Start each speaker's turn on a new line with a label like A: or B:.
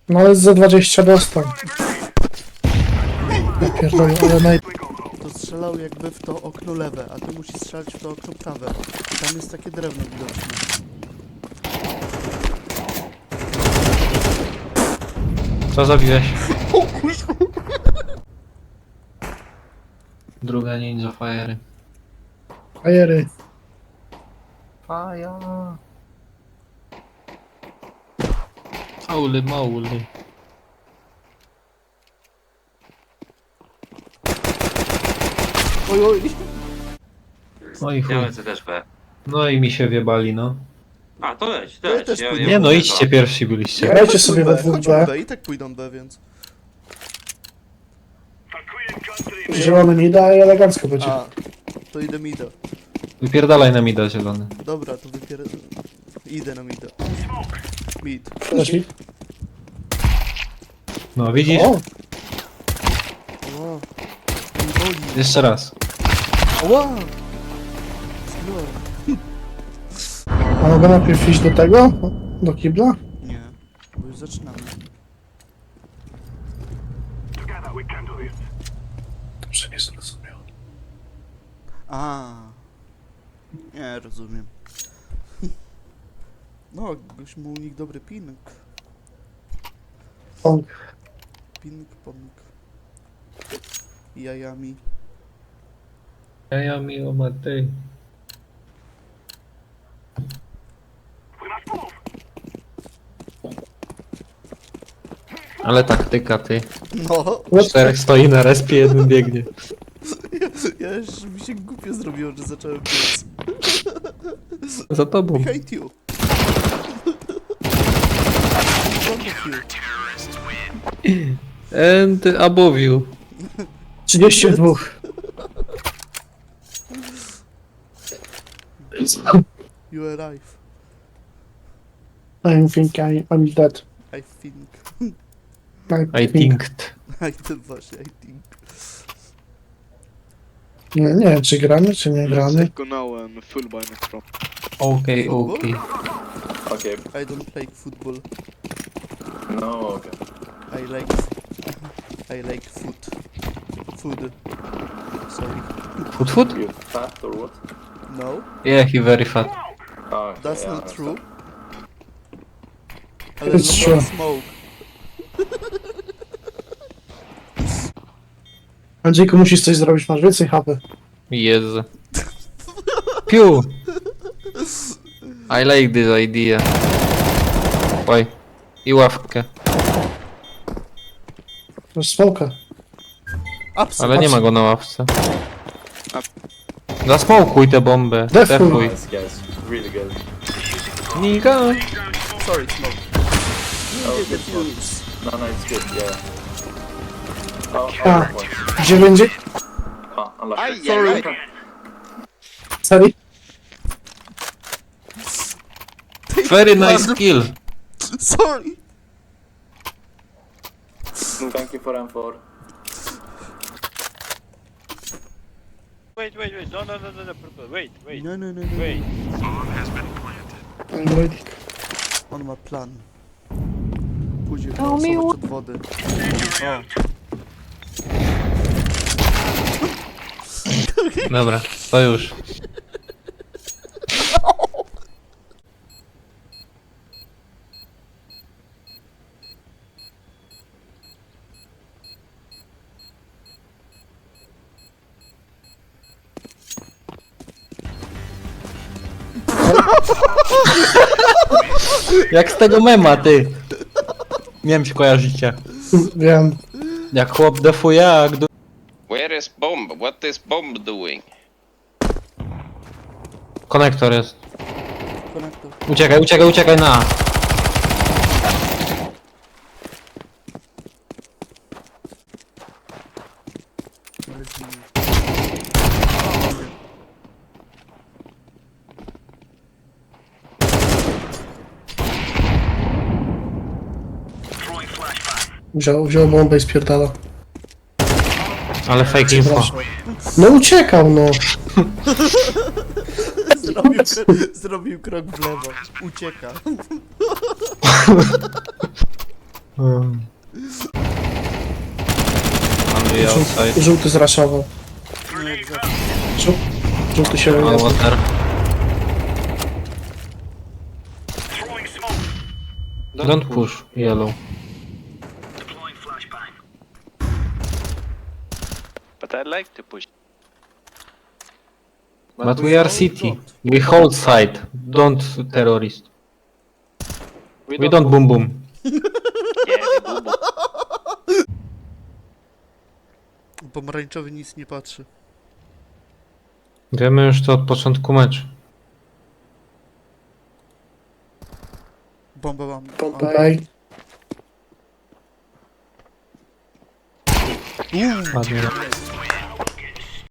A: No ale za 20 dostał. Ja pierdolę, ale
B: To strzelał jakby w to okno lewe, a ty musisz strzelać w to okno prawe. I tam jest takie drewno widoczne.
C: Co zabiłeś?
B: O kurwa!
C: Druga ninja fire.
A: Fajery.
C: Faja. Holy moly.
B: Oj, oj!
C: No i chuj.
D: Ja lecę też B.
C: No i mi się wjebali, no.
D: A, to leć, to
B: Ja
D: leć.
B: też pójdę.
C: Nie no,
D: mówię,
C: idźcie pierwsi byliście.
A: Grajcie sobie we dwóch
B: Chodźmy
A: B.
B: B, i tak pójdą B, więc...
A: Zielony mi da i elegancko będzie.
B: A, to idę mida.
C: Wypierdalaj na mida zielony.
B: Dobra, to idę na mida. Mid.
A: Dasz mi?
C: No widzisz?
A: O!
B: Ła. Mi boli.
C: Jeszcze raz.
B: Ła! Zginąłem.
A: A mogę najpierw iść do tego? Do kibla?
B: Nie, bo już zaczynamy.
A: Dobrze, nie zrozumiał.
B: A, nie rozumiem. No, goś mu u nich dobry ping.
A: Pong.
B: Ping, pong. Jajami.
C: Ja miło Matej. Ale taktyka ty.
B: No,
C: Czterech stoi na respie, jeden biegnie.
B: ja już mi się głupio zrobiło, że zacząłem biec.
C: Za tobą.
B: Behind you. Front of you.
C: And above you.
A: 32.
B: You arrive.
A: I think I'm dead.
B: I think.
C: I thinked.
B: I think właśnie, I think.
A: Nie wiem, czy gramy, czy nie gramy.
E: Go now and full by next round.
C: Okej, okej.
D: Okay.
B: I don't play football.
D: No, okay.
B: I like food. Food. Sorry.
C: Food food?
D: You fat or what?
B: No,
C: Yeah, he very fat.
D: Oh, okay,
B: that's
D: yeah,
B: not
D: that's
B: true.
D: fat.
B: Ale
A: It's
B: no
A: true.
B: smoke.
A: Andrzejku, musisz coś zrobić, masz więcej HP.
C: Jezu. Piu! I like this idea. Oj. I ławkę.
A: Masz smoka.
C: Ale nie ma go na ławce. Zasmokuj tę bombę.
A: Defuj.
C: Defuj.
D: Nice, guys. Really good.
C: Nika.
B: Sorry, smoke.
D: Oh,
B: Nie
D: good one.
B: defuse.
D: No, no, it's good, yeah. Oh,
A: Ah.
D: points.
A: 9.
D: Oh, unlucky.
B: Sorry.
A: Sorry.
C: Very nice kill.
B: Sorry.
D: Thank you for M4.
F: Wait, no, purple. Wait.
B: No.
F: Wait.
A: I'm waiting.
B: On ma plan. Pójdzie wylosować od wody. O,
C: Dobra, to już. Jak z tego mema, ty. Nie wiem, czy kojarzycie.
A: Wiem.
C: Jak chłop defuje, a gdy...
G: Where is bomb? What is bomb doing?
C: Konektor jest.
B: konektor.
C: Uciekaj na A.
B: Ale zginął.
A: Wziął bombę i spierdala.
C: Ale fake info.
A: No uciekał, no.
B: Zrobił krok w lewo. Ucieka.
C: Only outside.
A: Żółty zraszował.
B: Nie, jak zawsze.
A: Żółty się
C: All
A: nie...
C: water. Don't push yellow.
F: But I like to push.
C: But we are city. We hold side. Don't terrorist. We don't boom boom.
F: Yeah, we boom boom.
B: Pomarańczowy nic nie patrzy.
C: Wiemy już to od początku meczu.
B: Bombę mam.
A: Bombay.
C: Ładnie.